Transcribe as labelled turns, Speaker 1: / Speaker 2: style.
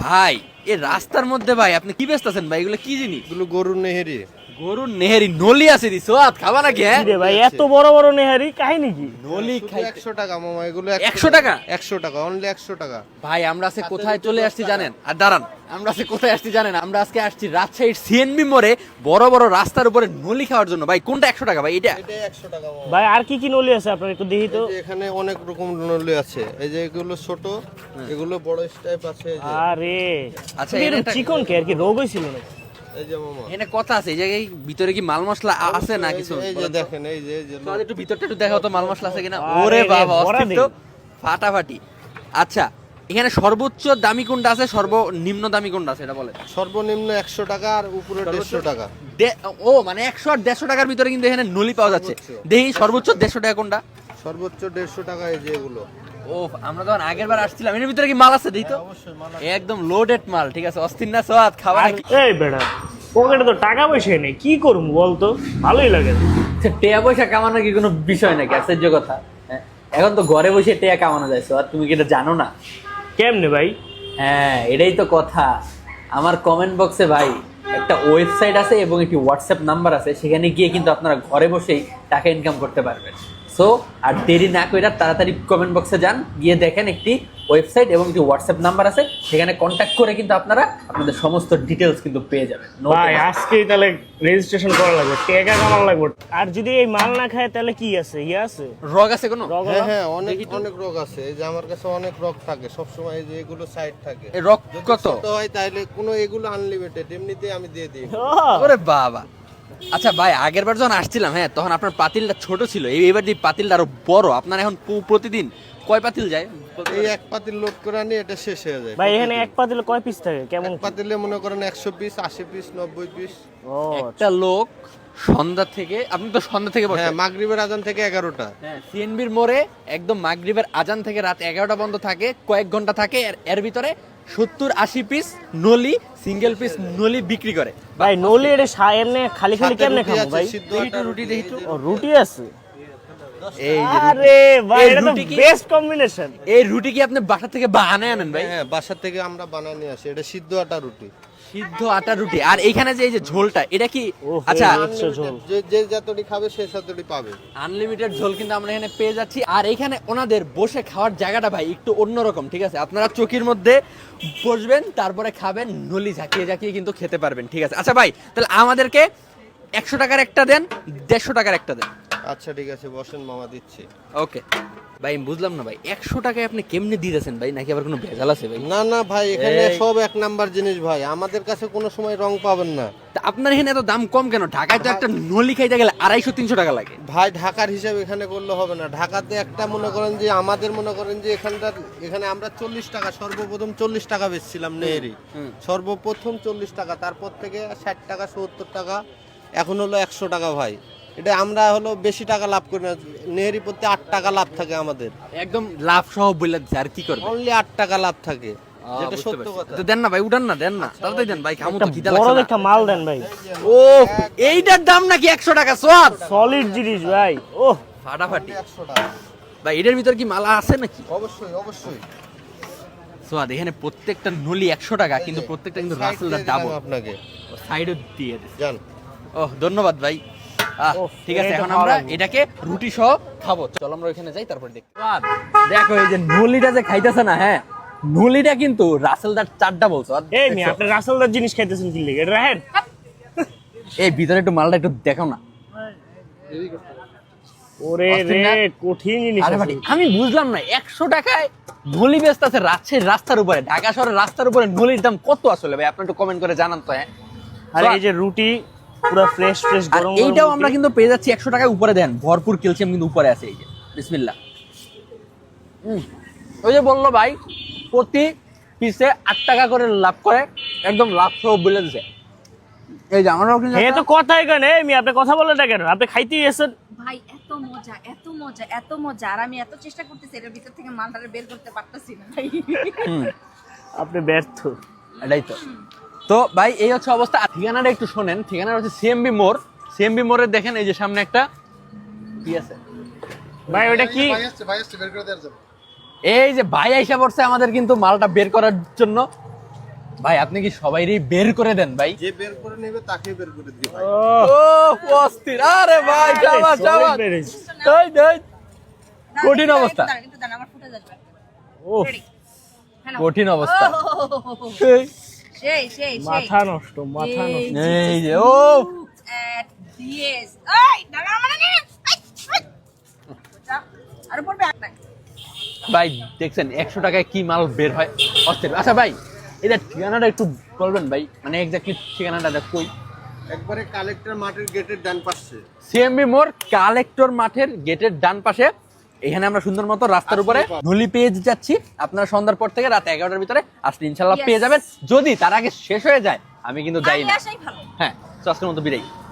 Speaker 1: ভাই এই রাস্তার মধ্যে ভাই আপনি কি বেচতেছেন ভাই? এগুলো কি জিনিস?
Speaker 2: এগুলো গরুর নেহেরি।
Speaker 1: গরুর নেহেরি নলি আছে দিছো আত খাবা নাকি? হ্যাঁ
Speaker 3: রে ভাই এত বড় বড় নেহারি কাহিনী কি?
Speaker 1: নলি খাই
Speaker 2: 100 টাকা মামা, এগুলো
Speaker 1: 100 টাকা?
Speaker 2: 100 টাকা, অনলি 100 টাকা।
Speaker 1: ভাই আমরা আজকে কোথায় চলে আসছি জানেন? আর দাঁড়ান, আমরা আজকে কোথায় আসছি জানেন? আমরা আজকে আসছি রাজশাহীর সিএনবি মোড়ে বড় বড় রাস্তার উপরে নলি খাওয়ার জন্য। ভাই কোনটা 100 টাকা ভাই? এটা
Speaker 2: এটাই 100 টাকা মামা।
Speaker 3: ভাই আর কি কি নলি আছে আপনার একটু দেখি তো।
Speaker 2: এই যে এখানে অনেক রকম নলি আছে, এই যে এগুলো ছোট, এগুলো বড় স্টাইপ আছে, এই যে
Speaker 3: আরে
Speaker 1: আচ্ছা,
Speaker 3: এটা
Speaker 1: এটা
Speaker 3: চিকন কে আর কি রোগ হইছিল নাকি?
Speaker 2: এই যে মামা,
Speaker 1: এখানে কথা আছে এই জায়গায় ভিতরে কি মাল মশলা আছে না কিছু?
Speaker 2: এই যে দেখেন, এই যে
Speaker 1: তো একটু ভিতরটা একটু দেখাও তো মাল মশলা আছে কিনা।
Speaker 3: আরে
Speaker 1: ওরে
Speaker 3: রে,
Speaker 1: বাবা
Speaker 3: ভরা
Speaker 1: অস্থির তো,
Speaker 3: দেই।
Speaker 1: ফাটাফাটি। আচ্ছা এখানে সর্বোচ্চ দামি কোনটা আছে, সর্বনিম্ন দামি কোনটা আছে এটা বলেন।
Speaker 2: সর্বনিম্ন 100 টাকা আর উপরে 150 টাকা।
Speaker 1: ও মানে 100 আর 150 টাকার ভিতরে কিন্তু এখানে নলি পাওয়া যাচ্ছে।
Speaker 2: সর্বোচ্চ।
Speaker 1: দেখি সর্বোচ্চ 150 টাকা কোনটা?
Speaker 2: সর্বোচ্চ 150 টাকা, এই যে এগুলো।
Speaker 1: ও আমরা যখন আগের বার আসছিলাম এর ভিতরে কি মাল আছে দেখি তো।
Speaker 2: অবশ্যই মাল
Speaker 1: একদম লোডেড মাল, ঠিক আছে। অস্থির না সোয়াদ খাবার
Speaker 3: আর এই বেটা পকেটে তো টাকা পয়সা নেই, কি করব বলতো? ভালোই লাগে না।
Speaker 1: টেয়া পয়সা কামানো কি কোনো বিষয় নাকি? আশ্চর্য কথা। হ্যাঁ, এখন তো ঘরে বসে টেয়া কামানো যায় সোয়াদ, তুমি কি এটা জানো না?
Speaker 3: কেমনে ভাই?
Speaker 1: হ্যাঁ এটাই তো কথা। আমার কমেন্ট বক্সে ভাই একটা ওয়েবসাইট আছে এবং একটি হোয়াটসঅ্যাপ নাম্বার আছে, সেখানে গিয়ে কিন্তু আপনারা ঘরে বসেই টাকা ইনকাম করতে পারবেন। সো আর দেরি না করে তাড়াতাড়ি কমেন্ট বক্সে যান, গিয়ে দেখেন একটি ওয়েবসাইট এবং একটি হোয়াটসঅ্যাপ নাম্বার আছে, সেখানে কন্ট্যাক্ট করে কিন্তু আপনারা আপনাদের সমস্ত ডিটেলস কিন্তু পেয়ে যাবেন। No
Speaker 3: ভাই
Speaker 1: tension।
Speaker 3: আজকেই তাহলে রেজিস্ট্রেশন করা লাগবে, টাকা কামানো লাগবে। আর যদি এই মাল না খায় তাহলে কি আছে? ইয়ে আছে
Speaker 1: রগ আছে কোনো?
Speaker 3: রগ
Speaker 2: হ্যাঁ
Speaker 3: হলো?
Speaker 2: হ্যাঁ, অনেক অনেক রোগ আছে। এই যে আমার কাছে অনেক রোগ থাকে সব সময়, এই যে এগুলো সাইড থাকে।
Speaker 1: এই রগ
Speaker 2: যদি
Speaker 1: কত?
Speaker 2: ছোট হয় তাহলে কোনো, এগুলো আনলিমিটেড, এমনিতেই আমি দিয়ে দিই।
Speaker 3: ও,
Speaker 1: ওরে বাবা। আচ্ছা ভাই আগের বার যখন আসছিলাম, হ্যাঁ তখন আপনার পাতিলটা ছোট ছিল, এইবার দিয়ে পাতিলটা আরো বড়। আপনার এখন প্রতিদিন কয় পাতিল যায়?
Speaker 2: এই এক পাতিল লোড করে আনি, এটা শেষ হয়ে যায়।
Speaker 3: ভাই এখানে এক পাতিলে কয় পিস থাকে কেমন?
Speaker 2: এক পাতিলে মনে করেন 100 পিস, 80 পিস, 90 পিস।
Speaker 3: ও
Speaker 1: একটা লোক সন্ধ্যা থেকে, আপনি তো সন্ধ্যা থেকে
Speaker 2: হ্যাঁ,
Speaker 1: বসেন।
Speaker 2: মাগরিবের আজান থেকে 11টা।
Speaker 1: হ্যাঁ সিএনবির মোড়ে একদম মাগরিবের আজান থেকে রাত 11টা পর্যন্ত থাকে, কয়েক ঘন্টা থাকে। এর ভিতরে 70-80 পিস নলি, সিঙ্গেল পিস নলি বিক্রি করে।
Speaker 3: ভাই নলি এটা এমনি খালি খালি
Speaker 2: সাথে
Speaker 3: কেমনে
Speaker 2: রুটি
Speaker 3: খাবো
Speaker 2: আছে,
Speaker 3: ভাই?
Speaker 2: সিদ্ধ
Speaker 1: দেখি
Speaker 2: আটা
Speaker 1: তো রুটি, দেখি তো।
Speaker 3: ও রুটি আছে?
Speaker 1: এই যে রুটি।
Speaker 3: আরে ভাই
Speaker 1: এই
Speaker 3: এটা তো
Speaker 1: রুটি কি?
Speaker 3: Best combination.
Speaker 1: এই রুটি কি আপনি বাসা থেকে বানায় আনেন ভাই?
Speaker 2: হ্যাঁ, বাসা থেকে আমরা বানায় নিয়ে আসি, এটা সিদ্ধ আটা রুটি।
Speaker 1: সিদ্ধ আটা রুটি। আর এইখানে যে এই যে ঝোলটা, এটা কি?
Speaker 3: ওহো।
Speaker 1: আচ্ছা
Speaker 3: আচ্ছা, ঝোল।
Speaker 2: যে যতটি খাবে সে ততটি পাবে।
Speaker 1: আনলিমিটেড ঝোল কিন্তু আমরা এখানে পেয়ে যাচ্ছি। আর এখানে ওনাদের বসে খাওয়ার জায়গাটা ভাই একটু অন্যরকম, ঠিক আছে। আপনারা চকির মধ্যে বসবেন, তারপরে খাবেন, নলি ঝাঁকিয়ে ঝাঁকিয়ে কিন্তু খেতে পারবেন, ঠিক আছে। আচ্ছা ভাই তাহলে আমাদেরকে 100 টাকার একটা দেন, 150 টাকার একটা দেন।
Speaker 2: আচ্ছা ঠিক আছে, বসেন মামা, দিচ্ছি।
Speaker 1: ওকে ভাই আমি বুঝলাম না ভাই, 100 টাকায় আপনি কেমনে দিতেছেন ভাই? নাকি আবার কোনো ভেজাল আছে ভাই?
Speaker 2: না না ভাই, এখানে
Speaker 1: এই।
Speaker 2: সব এক নাম্বার জিনিস ভাই, আমাদের কাছে কোনো সময় রং পাবেন না
Speaker 1: তা আপনার এখানে এত দাম কম কেন? ঢাকায় তো একটা নলি খাইতে গেলে 250-300 টাকা লাগে।
Speaker 2: ভাই। ঢাকার হিসাব এখানে করলে হবে না। ঢাকাতে একটা মনে করেন যে, আমাদের মনে করেন যে এখানে আমরা 40 টাকা, সর্বপ্রথম 40 টাকা বেচছিলাম নেহেরি। সর্বপ্রথম 40 টাকা, তারপর থেকে 60 টাকা, 70 টাকা, এখন হলো 100 টাকা ভাই। এটা আমরা হলো বেশি টাকা লাভ করি না, নেহেরি প্রতি 8 টাকা লাভ থাকে আমাদের,
Speaker 1: একদম লাভ সহ বলে দিচ্ছে। আর কি করবে?
Speaker 2: অনলি 8 টাকা লাভ থাকে, যেটা সত্য কথা।
Speaker 1: তো দেন না ভাই, উঠান না, দেন না, তাড়াতাড়ি দেন ভাই, খামো তো, খিদা
Speaker 3: বড়
Speaker 1: লাগছে না।
Speaker 3: দেখা মাল দেন ভাই,
Speaker 1: ও এইটার দাম নাকি 100 টাকা? সোয়াদ
Speaker 3: সলিড জিনিস ভাই। ও
Speaker 1: ফাটাফাটি
Speaker 2: 100 টাকা,
Speaker 1: ভাই। এটার ভিতর কি মালা আছে নাকি?
Speaker 2: অবশ্যই অবশ্যই।
Speaker 1: সোয়াদ এখানে প্রত্যেকটা নলি 100 টাকা, কিন্তু প্রত্যেকটা কিন্তু
Speaker 2: Side
Speaker 1: রাসেলদার
Speaker 2: দিয়ে দিলাম
Speaker 1: ডাবল।
Speaker 2: আপনাকে,
Speaker 1: সাইডও দিয়ে দিছে।
Speaker 2: জান।
Speaker 1: ওহ ধন্যবাদ ভাই।
Speaker 3: ওহ,
Speaker 1: ঠিক আছে,
Speaker 3: এটা
Speaker 1: এখন
Speaker 3: খাওয়া
Speaker 1: আমরা
Speaker 3: লাগবে।
Speaker 1: এটাকে রুটি সহ খাবো। চলো আমরা ওইখানে যাই, তারপর দেখি। সোয়াদ, দেখো এই যে নলিটা যে খাইতেছে না, হ্যাঁ নলিটা কিন্তু রাসেলদার চারটা বলছো।
Speaker 3: এই মি আপনি রাসেলদার জিনিস খাইতেছেন কি লিগে? এটা রাখেন।
Speaker 1: এই ভিতরে একটু মালটা একটু দেখো না।
Speaker 3: ওরে
Speaker 1: অস্থির
Speaker 3: রে
Speaker 1: না?
Speaker 3: কঠিন জিনিস
Speaker 1: আরে
Speaker 3: আছে।
Speaker 1: ভাই আমি বুঝলাম না, 100 টাকায় নলি বেচতেছে রাজশাহীর রাস্তার উপরে। ঢাকা শহরের রাস্তার উপরে নলির দাম কত আসলে ভাই? আপনি একটু কমেন্ট করে জানান তো। হ্যাঁ
Speaker 3: আর এই যে রুটি পুরো ফ্রেশ ফ্রেশ
Speaker 1: আর
Speaker 3: গরম
Speaker 1: এইটাও
Speaker 3: গরম
Speaker 1: আমরা
Speaker 3: রুটি।
Speaker 1: কিন্তু পেয়ে যাচ্ছি 100 টাকায় উপরে। দেন ভরপুর ক্যালসিয়াম কিন্তু উপরে আছে। এই যে বিসমিল্লাহ। ওই যে বললো ভাই প্রতি পিসে 8 টাকা করে লাভ করে, একদম লাভ সহ বলে দিছে। এই যে আমরাও কিন্তু
Speaker 3: হে তো কথাই কেন? এই মি আপনি কথা বলেন না কেন? আপনি খাইতেই এসেছেন।
Speaker 4: ভাই এত মজা এত মজা এত মজা, আর আমি এত চেষ্টা করতেছি এর ভিতর থেকে মালটারে বের করতে পারতেছি না ভাই।
Speaker 3: আপনি ব্যর্থ।
Speaker 1: এটাই তো। তো ভাই এই হচ্ছে অবস্থা। আর ঠিকানাটা একটু শোনেন, ঠিকানাটা হচ্ছে সিএমবি মোড়। সিএমবি মোড়ে দেখেন এই যে সামনে একটা কি আছে
Speaker 3: ভাই ওটা কি?
Speaker 1: এই যে ভাই আইসা পড়ছে আমাদের কিন্তু মালটা বের করার জন্য। ভাই আপনি কি সবাইরই বের করে দেন ভাই?
Speaker 2: যে বের করে নেবে তাকে বের করে দিই ভাই।
Speaker 1: ও অস্থির, আরে ভাই শাবাশ শাবাশ। এই দেখ কঠিন অবস্থা।
Speaker 4: কিন্তু দাঁড়ান, আমার ফুটে যাবে।
Speaker 1: ও
Speaker 4: Ready? হ্যালো।
Speaker 1: কঠিন অবস্থা। এই,
Speaker 4: সেই সেই
Speaker 3: মাথা নষ্ট, মাথা নষ্ট।
Speaker 1: এই যে ও
Speaker 4: এট দিয়েস এই দাঁড়া মানে নে আর পড়বে একটা
Speaker 1: ভাই দেখছেন 100 টাকায় কি মাল বের হয়, অস্থির। আচ্ছা ভাই এটা ঠিকানাটা একটু বলবেন ভাই, মানে এক্স্যাক্টলি ঠিকানাটা কই?
Speaker 2: একবারে কালেক্টর মাঠের গেটের ডান পাশে।
Speaker 1: সিএমবি মোড় কালেক্টর মাঠের গেটের ডান পাশে। এখানে আমরা সুন্দর মতো রাস্তার উপরে ঢুলি পেয়ে যাচ্ছি। আপনারা সন্ধ্যার পর থেকে রাত 11টার ভিতরে আসলে ইনশাল্লাহ
Speaker 4: Yes.
Speaker 1: পেয়ে যাবেন। যদি তার আগে শেষ হয়ে যায় আমি কিন্তু যাই
Speaker 4: আগে
Speaker 1: না।
Speaker 4: আসাই ভালো।
Speaker 1: হ্যাঁ, তো আজকের মতো বিদায়।